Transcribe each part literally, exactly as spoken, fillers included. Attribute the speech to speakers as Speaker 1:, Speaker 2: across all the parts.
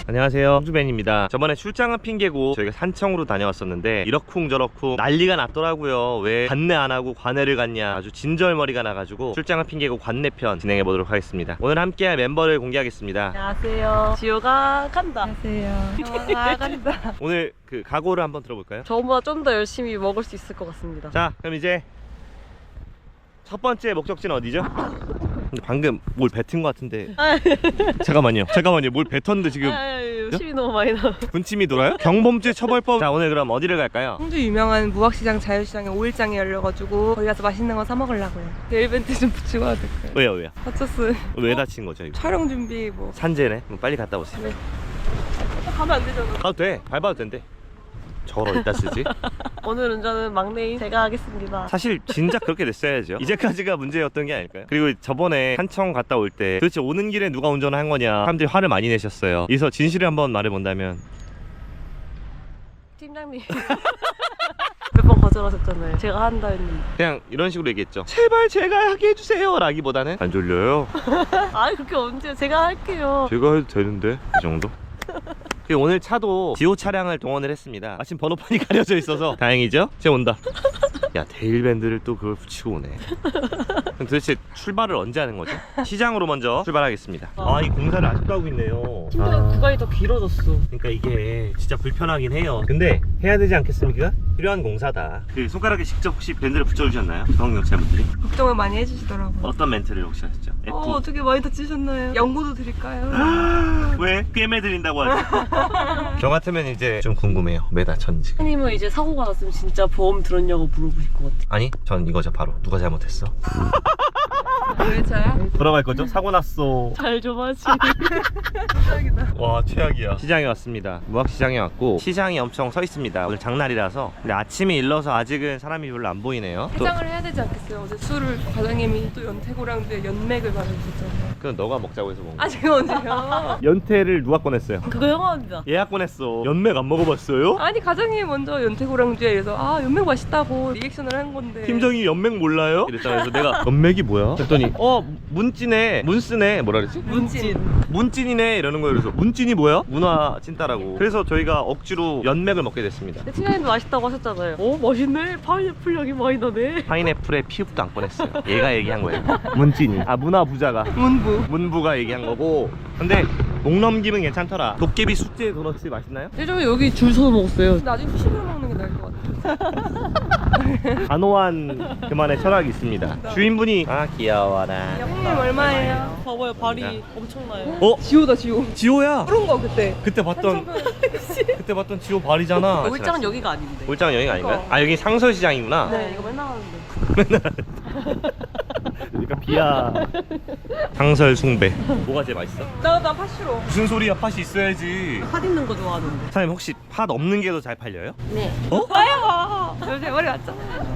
Speaker 1: 안녕하세요, 홍주벤입니다. 저번에 출장은 핑계고 저희가 산청으로 다녀왔었는데 이러쿵저러쿵 난리가 났더라고요. 왜 관내 안하고 관내를 갔냐, 아주 진절머리가 나가지고 출장은 핑계고 관내편 진행해보도록 하겠습니다. 오늘 함께할 멤버를 공개하겠습니다.
Speaker 2: 안녕하세요, 지호가 간다.
Speaker 3: 안녕하세요. 영화가 간다.
Speaker 1: 오늘 그 각오를 한번 들어볼까요?
Speaker 2: 저보다 좀 더 열심히 먹을 수 있을 것 같습니다.
Speaker 1: 자, 그럼 이제 첫 번째 목적지는 어디죠? 근데 방금 뭘 뱉은 것 같은데. 잠깐만요 잠깐만요 뭘 뱉었는데 지금
Speaker 2: 열심히 너무 많이 나.
Speaker 1: 군침이 돌아요? 경범죄 처벌법. 자, 오늘 그럼 어디를 갈까요?
Speaker 3: 홍주 유명한 무학시장 자유시장에 오일장이 열려가지고 거기 가서 맛있는 거 사 먹으려고요. 내일 벤트 좀 붙이고 와도 될까요?
Speaker 1: 왜요 왜요?
Speaker 3: 다쳤어요.
Speaker 1: 왜 다친 거죠 이거?
Speaker 3: 촬영 준비 뭐.
Speaker 1: 산재네? 그럼 빨리 갔다 오세요.
Speaker 3: 네. 가면 안 되잖아.
Speaker 1: 가도 돼, 밟아도 된대. 저걸 어디다 쓰지?
Speaker 2: 오늘은 저는 막내인 제가 하겠습니다.
Speaker 1: 사실 진작 그렇게 됐어야죠. 이제까지가 문제였던 게 아닐까요? 그리고 저번에 산청 갔다 올 때 도대체 오는 길에 누가 운전을 한 거냐 사람들이 화를 많이 내셨어요. 그래서 진실을 한번 말해본다면
Speaker 2: 팀장님 몇 번 거절하셨잖아요. 제가 한다 했는데.
Speaker 1: 그냥 이런 식으로 얘기했죠. 제발 제가 하게 해주세요 라기보다는 안 졸려요?
Speaker 2: 아니 그렇게 언제, 제가 할게요.
Speaker 1: 제가 해도 되는데 이 정도? 그리고 오늘 차도 지호 차량을 동원을 했습니다. 마침 번호판이 가려져 있어서 다행이죠? 쟤 온다. 야, 데일밴드를 또 그걸 붙이고 오네. 그럼 도대체 출발을 언제 하는 거죠? 시장으로 먼저 출발하겠습니다. 아, 이 공사를 아직도 하고 있네요.
Speaker 2: 심지어
Speaker 1: 아,
Speaker 2: 구간이 더 길어졌어.
Speaker 1: 그러니까 이게 진짜 불편하긴 해요. 근데 해야 되지 않겠습니까? 필요한 공사다. 그 손가락에 직접 혹시 밴드를 붙여주셨나요? 중앙경찰분들이?
Speaker 3: 걱정을 많이 해주시더라고요.
Speaker 1: 어떤 멘트를 혹시 하셨죠? F.
Speaker 3: 어, 어떻게 많이 다치셨나요? 연고도 드릴까요?
Speaker 1: 왜? 꿰매 드린다고 하죠? 저 같으면 이제 좀 궁금해요. 왜 다쳤는지.
Speaker 2: 선생님은 이제 사고가 났으면 진짜 보험 들었냐고 물어보실 것 같아.
Speaker 1: 아니, 전 이거죠. 바로 누가 잘못했어?
Speaker 3: 왜 차야?
Speaker 1: 돌아갈 거죠? 사고 났어.
Speaker 2: 잘 좀 하지.
Speaker 3: 최악이다.
Speaker 1: 와, 최악이야. 시장에 왔습니다. 무학시장에 왔고 시장이 엄청 서 있습니다. 오늘 장날이라서. 근데 아침이 일러서 아직은 사람이 별로 안 보이네요. 또
Speaker 3: 해장을 해야 되지 않겠어요? 어제 술을 과장님이 또 연태고랑도에 연맥을 말해주셨잖아요.
Speaker 1: 그건 너가 먹자고 해서 먹은 거야.
Speaker 3: 아 지금 언제요?
Speaker 1: 연태를 누가 꺼냈어요?
Speaker 2: 그거 영화입니다.
Speaker 1: 예약 꺼냈어. 연맥 안 먹어봤어요?
Speaker 3: 아니 과장님이 먼저 연태고랑도에 이래서 아 연맥 맛있다고 리액션을 한 건데.
Speaker 1: 팀장이 연맥 몰라요? 이랬잖아. 그래서 내가 연맥이 뭐야? 그랬더니 어 문찐네 문쓰네 뭐라 그랬지?
Speaker 2: 문진.
Speaker 1: 문찐이네 이러는 거예요. 그래서 문찐이 뭐야? 문화 찐따라고. 그래서 저희가 억지로 연맥을 먹게 됐습니다.
Speaker 2: 근데 팀장님도 맛있다고 하셨잖아요. 오 맛있네. 파인애플 향이 많이 나네.
Speaker 1: 파인애플에 피읍도 안 꺼냈어요. 얘가 얘기한 거예요. 문찐이. 아, 문화 부자가.
Speaker 3: 문부.
Speaker 1: 문부가 얘기한 거고. 근데 목 넘김은 괜찮더라. 도깨비 숙제 도넛이 맛있나요?
Speaker 2: 예전에 여기 줄 서서 먹었어요.
Speaker 3: 나중에 후식으로 먹는 게 나을 것 같아.
Speaker 1: 단호한 그만의 철학이 있습니다. 주인분이 아 귀여워라.
Speaker 3: 형님 얼마예요?
Speaker 2: 봐봐요, 발이 엄청나요.
Speaker 1: 어?
Speaker 3: 지호다 지호.
Speaker 1: 지호야.
Speaker 3: 그런 거 그때.
Speaker 1: 그때 봤던 그때 봤던 지호 발이잖아.
Speaker 2: 울장은 여기가 아닌데.
Speaker 1: 울장은 여기가 아닌가요? 아, 여기 상서시장이구나.
Speaker 2: 네, 이거 맨날 하는데.
Speaker 1: 그러니까 비야. 상설 숭배. 뭐가 제일 맛있어?
Speaker 3: 나나 파시로.
Speaker 1: 무슨 소리야? 팥이 있어야지.
Speaker 2: 팥 있는 거 좋아하는데.
Speaker 1: 사장님 혹시 팥 없는 게 더 잘 팔려요?
Speaker 2: 네.
Speaker 3: 아야. 요새 머리 왔잖아.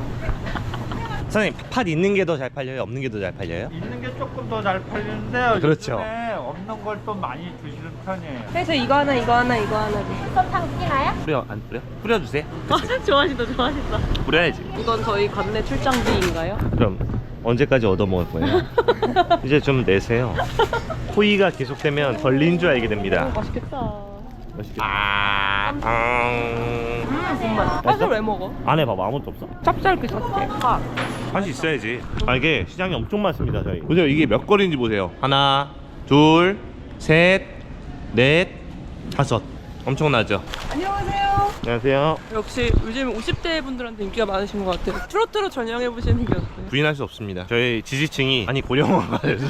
Speaker 1: 사장님 팥 있는 게 더 잘 팔려요? 없는 게 더 잘 팔려요?
Speaker 4: 있는 게 조금 더 잘 팔리는데요.
Speaker 1: 그렇죠.
Speaker 4: 요즘에 없는 걸 또 많이 주시는 편이에요.
Speaker 3: 그래서 이거 하나 이거 하나 이거 하나 주세요.
Speaker 1: 뿌려 안 뿌려? 뿌려주세요.
Speaker 2: 아, 좋아하신다, 좋아하신다.
Speaker 1: 뿌려야지.
Speaker 2: 이건 저희 관내 출장비인가요?
Speaker 1: 그럼 언제까지 얻어먹을 거예요? 이제 좀 내세요. 호의가 계속되면 걸린 줄 알게 됩니다.
Speaker 2: 맛있겠다.
Speaker 1: 맛있겠다. 아, 음.
Speaker 3: 음 정말. 팥을 왜 먹어?
Speaker 1: 안에 봐봐, 아무것도 없어?
Speaker 3: 짭짤그 자체. 팥.
Speaker 1: 팥이 있어야지. 아, 이게 시장이 엄청 많습니다. 저희 보세요. 이게 몇 거리인지 보세요. 하나, 둘, 셋, 넷, 다섯. 엄청나죠?
Speaker 3: 안녕하세요.
Speaker 1: 안녕하세요.
Speaker 3: 역시 요즘 오십 대 분들한테 인기가 많으신 것 같아요. 트로트로 전향해보시는 게 어때요?
Speaker 1: 부인할 수 없습니다. 저희 지지층이 아니 고령화가 돼서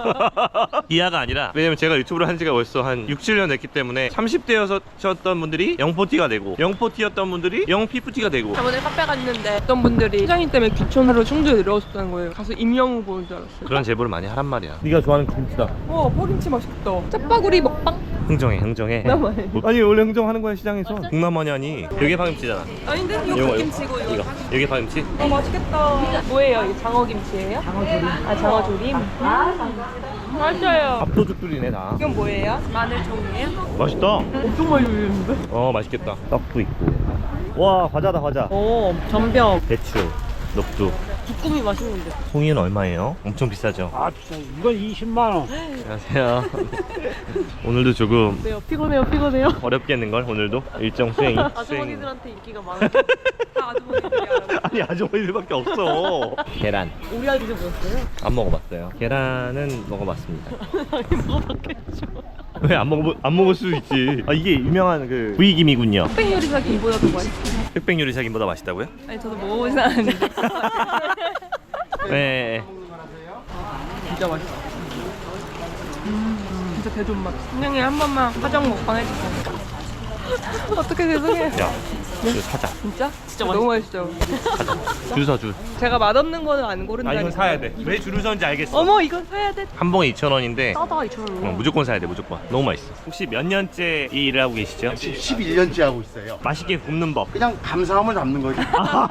Speaker 1: 이하가 아니라, 왜냐면 제가 유튜브를 한 지가 벌써 한 육, 칠 년 됐기 때문에 삼십 대였던 분들이 영포티가 되고 영포티였던 분들이 영피프티가 되고.
Speaker 3: 저번에 카페 갔는데 어떤 분들이 시장님 때문에 귀촌하러 충주에 내려오셨다는 거예요. 가서 임영웅 보는 줄 알았어요.
Speaker 1: 그런 제보를 많이 하란 말이야. 네가 좋아하는 김치다.
Speaker 3: 와 파김치 맛있겠다. 짭바구리 먹방?
Speaker 1: 흥정해 흥정해.
Speaker 3: 나만해.
Speaker 1: 아니 원래 흥정하는 거야 시장에서. 동남아니 아니. 이게 파김치잖아.
Speaker 3: 아닌데? 이거
Speaker 1: 이거,
Speaker 3: 갓김치고 이거
Speaker 1: 이거
Speaker 3: 파김치.
Speaker 1: 이게 파김치?
Speaker 3: 어 맛있겠다. 뭐예요? 이게 장어김치예요? 장어조림. 아 장어조림? 맞아요.
Speaker 1: 밥도둑들이네 다.
Speaker 3: 이건 뭐예요? 마늘종이에요?
Speaker 1: 맛있다.
Speaker 2: 엄청 많이 올리는데?
Speaker 1: 어 맛있겠다. 떡도 있고. 와 과자다 과자.
Speaker 2: 오, 전병.
Speaker 1: 배추, 녹두,
Speaker 2: 부꾸미 맛있는데.
Speaker 1: 송이는 얼마예요? 엄청 비싸죠?
Speaker 4: 아, 진짜 이건 이십만 원.
Speaker 1: 안녕하세요. 오늘도 조금
Speaker 2: 네요. 피곤해요, 피곤해요.
Speaker 1: 어렵겠는걸 오늘도 일정 수행이.
Speaker 2: 아주머니들한테 인기가 많아.
Speaker 3: 다 아주머니들이야.
Speaker 1: 아니 아주머니들밖에 없어. 계란
Speaker 2: 우리 아들 드셔보셨어요?
Speaker 1: 안 먹어봤어요. 계란은 먹어봤습니다.
Speaker 2: 아니, 먹어봤겠죠.
Speaker 1: 왜 안 먹어 안 먹을 수 있지? 아 이게 유명한 그 부위김이군요.
Speaker 3: 흑백 요리사 김보다 더 맛있어.
Speaker 1: 흑백 요리사김보다 맛있다고요?
Speaker 3: 아니 저도 먹어보진 않았는데.
Speaker 1: 네.
Speaker 3: 진짜 맛있어. 음, 진짜 대존맛. 분명히 한 번만 화정 먹방 해주세요. 어떻게 죄송해요.
Speaker 1: 야, 이거 사자.
Speaker 3: 진짜?
Speaker 2: 진짜
Speaker 3: 너무 맛있죠.
Speaker 1: 줄 서 줄.
Speaker 3: 제가 맛없는 거는 안
Speaker 1: 아
Speaker 3: 고른다니까.
Speaker 1: 이건 사야 돼. 왜 줄을 서는지 알겠어.
Speaker 3: 어머 이건 사야 돼.
Speaker 1: 한 봉에 이천 원인데
Speaker 2: 싸다, 이천 원.
Speaker 1: 어, 무조건 사야 돼 무조건. 너무 맛있어. 혹시 몇 년째 이 일을 하고 계시죠?
Speaker 5: 십일 년째 하고 있어요.
Speaker 1: 맛있게 굽는 법.
Speaker 5: 그냥 감사함을 담는 거지.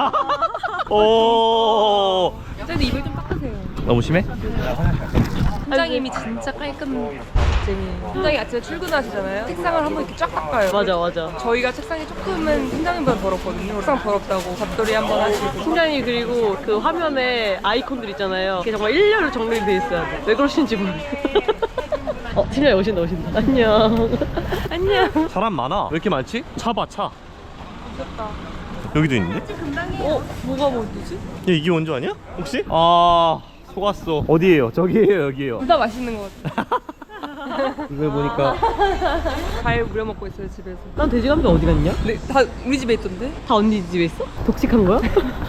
Speaker 1: 오.
Speaker 3: 쟤도 입을 좀 닦으세요.
Speaker 1: 너무 심해?
Speaker 3: 팀장님이 진짜 깔끔쟁이에요. 팀장이 아침에 출근하시잖아요. 책상을 한번 이렇게 쫙 닦아요.
Speaker 2: 맞아, 맞아.
Speaker 3: 저희가 책상이 조금은 팀장님보다 더럽거든요. 책상 더럽다고 잡돌이 한번 하시고.
Speaker 2: 팀장님 그리고 그 화면에 아이콘들 있잖아요. 그게 정말 일렬로 정리돼 있어야 돼. 왜 그러시는지 모르겠어. 어, 팀장님 오신다, 오신다. 안녕. 안녕.
Speaker 1: 사람 많아. 왜 이렇게 많지? 차 봐, 차.
Speaker 3: 미쳤다.
Speaker 1: 여기도 있는데?
Speaker 3: 어? 뭐가 뭐지?
Speaker 1: 야, 이게 원조 아니야? 혹시? 아, 속았어. 어디에요? 저기에요, 여기에요.
Speaker 3: 둘 다 맛있는 것 같아.
Speaker 1: 이걸 보니까
Speaker 3: 과일 우려 먹고 있어요 집에서.
Speaker 2: 난 돼지 감자 어디 갔냐?
Speaker 3: 네, 다 우리 집에 있던데?
Speaker 2: 다 언니 집에 있어? 독식한 거야?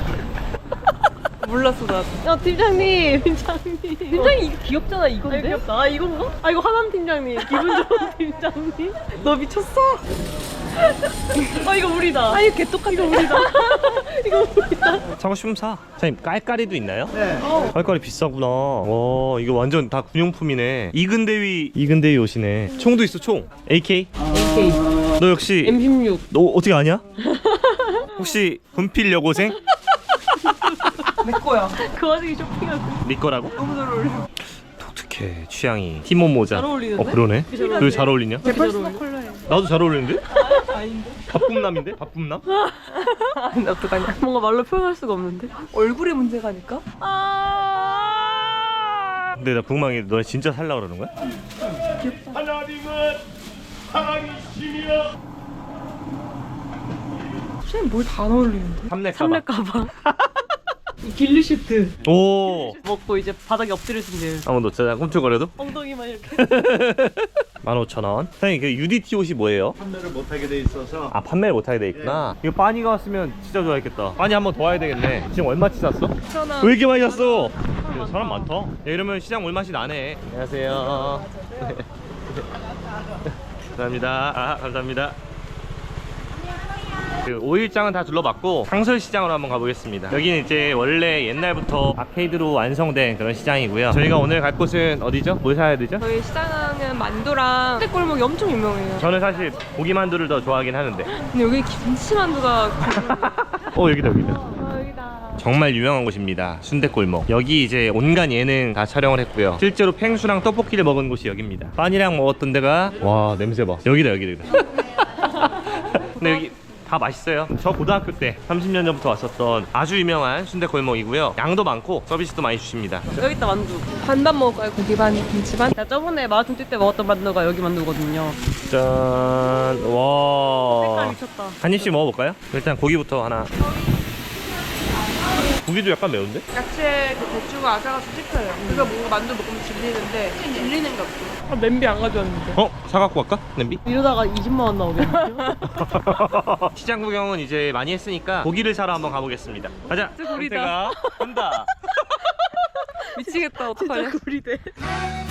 Speaker 3: 몰랐어 나도.
Speaker 2: 야, 팀장님, 팀장님.
Speaker 3: 팀장이 이거 귀엽잖아
Speaker 2: 아,
Speaker 3: 이건데?
Speaker 2: 이거 귀엽다. 아, 이건가? 아, 이거 하남 팀장님. 기분 좋은 팀장님. 너 미쳤어? 아, 이거 우리다.
Speaker 3: 아 이거 개똑같아.
Speaker 2: 이거 우리다. 이거 우리다.
Speaker 1: 사고 싶으면 사. 사장님, 깔깔이도 있나요?
Speaker 5: 네.
Speaker 1: 깔깔이 비싸구나. 와, 이거 완전 다 군용품이네. 이근대위, 이근대위 옷이네. 총도 있어, 총. 에이케이?
Speaker 2: 에이케이.
Speaker 1: 너 역시
Speaker 2: 엠 십육.
Speaker 1: 너 어떻게 아냐? 혹시 분필 여고생?
Speaker 3: 내 거야.
Speaker 2: 그 와중에 쇼핑하고.
Speaker 1: 네 거라고?
Speaker 3: 너무 잘 어울려.
Speaker 1: 독특해, 취향이. 티모 모자.
Speaker 2: 잘 어울리는데?
Speaker 1: 어, 그러네.
Speaker 2: 잘 어울리네.
Speaker 1: 왜 잘 어울리냐?
Speaker 3: 제 퍼스널 컬러예요.
Speaker 1: 나도 잘 어울리는데?
Speaker 3: 아닌데?
Speaker 1: 밥꿈남인데? 밥꿈남?
Speaker 3: 나 어떡하냐?
Speaker 2: 뭔가 말로 표현할 수가 없는데?
Speaker 3: 얼굴의 문제가니까?
Speaker 2: 아.
Speaker 1: 근데 나 궁금한 게 너네 진짜 살라 그러는 거야?
Speaker 4: 하나님은 사랑이시며
Speaker 3: 쌤 뭘 다 어울리는데?
Speaker 1: 삼렙
Speaker 2: 삼렙 가방. 이 길리슈트
Speaker 1: 오.
Speaker 2: 먹고 이제 바닥에 엎드려주면 돼요.
Speaker 1: 한번 놓자. 꿈틀거려도?
Speaker 2: 엉덩이만 이렇게.
Speaker 1: 만 오천 원. 사장님 그 유디티 옷이 뭐예요?
Speaker 5: 판매를 못하게 돼 있어서
Speaker 1: 아 판매를 못하게 돼 있구나. 이거 빠니가 왔으면 진짜 좋아했겠다. 빠니 한 번 더 와야 되겠네. 지금 얼마치 샀어?
Speaker 3: 천원
Speaker 1: 왜 이렇게 많이 샀어? 야, 사람 많다. 야, 이러면 시장 올맛이 나네. 안녕하세요. 감사합니다. 아, 감사합니다. 그 오일장은 다 둘러봤고 상설시장으로 한번 가보겠습니다. 여기는 이제 원래 옛날부터 아케이드로 완성된 그런 시장이고요. 저희가 오늘 갈 곳은 어디죠? 뭘 사야 되죠?
Speaker 3: 저희 시장은 만두랑 순대골목이 엄청 유명해요.
Speaker 1: 저는 사실 고기만두를 더 좋아하긴 하는데.
Speaker 3: 근데 여기 김치만두가
Speaker 1: 어 여기다 여기다.
Speaker 3: 아, 여기다.
Speaker 1: 정말 유명한 곳입니다. 순댓골목. 여기 이제 온갖 예능 다 촬영을 했고요. 실제로 팽수랑 떡볶이를 먹은 곳이 여기입니다. 빵이랑 먹었던 데가 와 냄새 봐. 여기다 여기다. 근데 여기 다 맛있어요. 저 고등학교 때 삼십 년 전부터 왔었던 아주 유명한 순댓골목이고요. 양도 많고 서비스도 많이 주십니다.
Speaker 2: 여기 있다 만두.
Speaker 3: 반반 먹을까요? 고기 반, 김치 반?
Speaker 2: 나 저번에 마라톤 뛸 때 먹었던 만두가 여기 만두거든요.
Speaker 1: 짠. 와.
Speaker 2: 색깔 미쳤다.
Speaker 1: 한 입씩 먹어볼까요? 일단 고기부터 하나. 고기도 약간 매운데?
Speaker 3: 야채 그 배추가 아삭아삭 씹혀요. 그래서 뭔가 만두 먹으면 질리는데 질리는 게 없어요. 아, 냄비 안 가져왔는데.
Speaker 1: 어? 사갖고 갈까? 냄비?
Speaker 2: 이러다가 이십만 원 나오겠네요.
Speaker 1: 시장 구경은 이제 많이 했으니까 고기를 사러 한번 가보겠습니다. 가자.
Speaker 3: 진짜 구리다.
Speaker 1: 선택아, 간다.
Speaker 3: 미치겠다.
Speaker 2: 진짜
Speaker 3: 어떡하냐.
Speaker 2: 구리대.